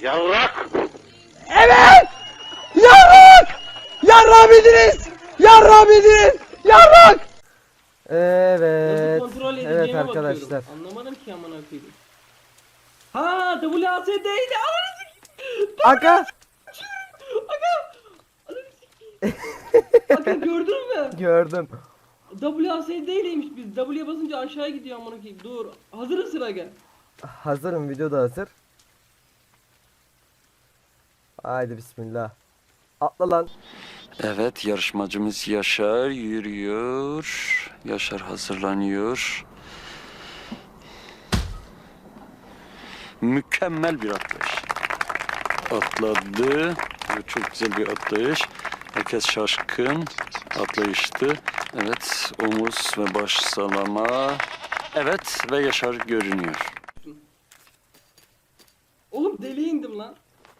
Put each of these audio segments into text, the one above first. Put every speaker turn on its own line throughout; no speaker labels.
Yavrak!
Evet! Yarrak! Yarrak bildiniz! Yarrak bildiniz! Yarrak! Evet.
Kontrol
Evet
edeceğime
arkadaşlar.
bakıyorum. Anlamadım ki amına koyayım. Ha WASD'ydi.
Aga!
Bakın gördün mü?
Gördüm.
WASD'yleymiş biz. W'ye basınca aşağı gidiyor amına koyayım. Dur. Hazırız sıra gel.
Hazırım, video da hazır. Haydi bismillah. Atla lan.
Evet, yarışmacımız Yaşar yürüyor. Yaşar hazırlanıyor. Mükemmel bir atlayış. Atladı. Evet, çok güzel bir atlayış. Herkes şaşkın. Atlayıştı. Evet, omuz ve baş salama. Evet ve Yaşar görünüyor.
Oğlum deliye indim lan.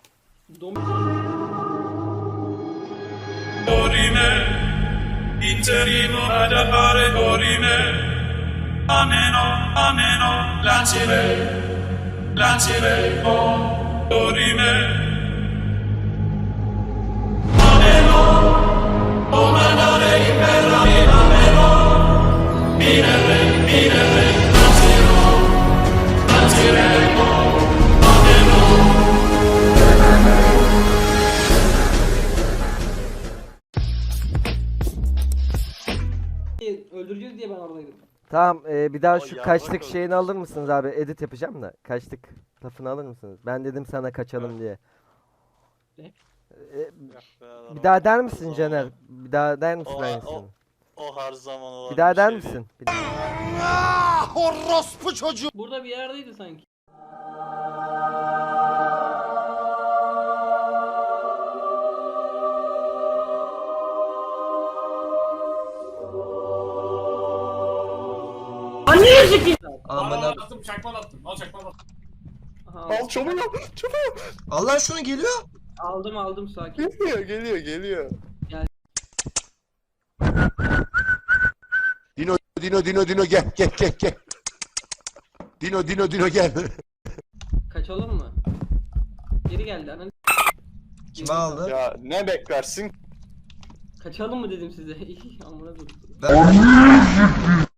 Dorime, interrimo ad appare dorime, ameno, ameno, lancire, oh, dorime, ameno, o mandare impera, ameno, minere, lancire, oh, ameno.
Öldüreceğiz diye ben oradaydım.
Tamam, bir daha şu kaçtık şeyini alır mısınız abi? Edit yapacağım da. Kaçtık lafını alır mısınız? Ben dedim sana kaçalım diye.
Ne?
Bir daha der misin Caner? Bir daha der misin aynısını?
O her zaman olan
Bir daha der
şey
misin?
Burada bir yerdeydi sanki. Anneye sikeyim.
Aman abi.
Attım, çakma attım. Al çakma attım.
Aha,
çabuk. Al lan şunu, geliyor.
aldım sakin.
Geliyor.
Dino gel. Dino gel.
Kaçalım mı? Geri geldi ananı.
Kime aldı?
Ya ne beklersin?
Kaçalım mı dedim size. Amına dur.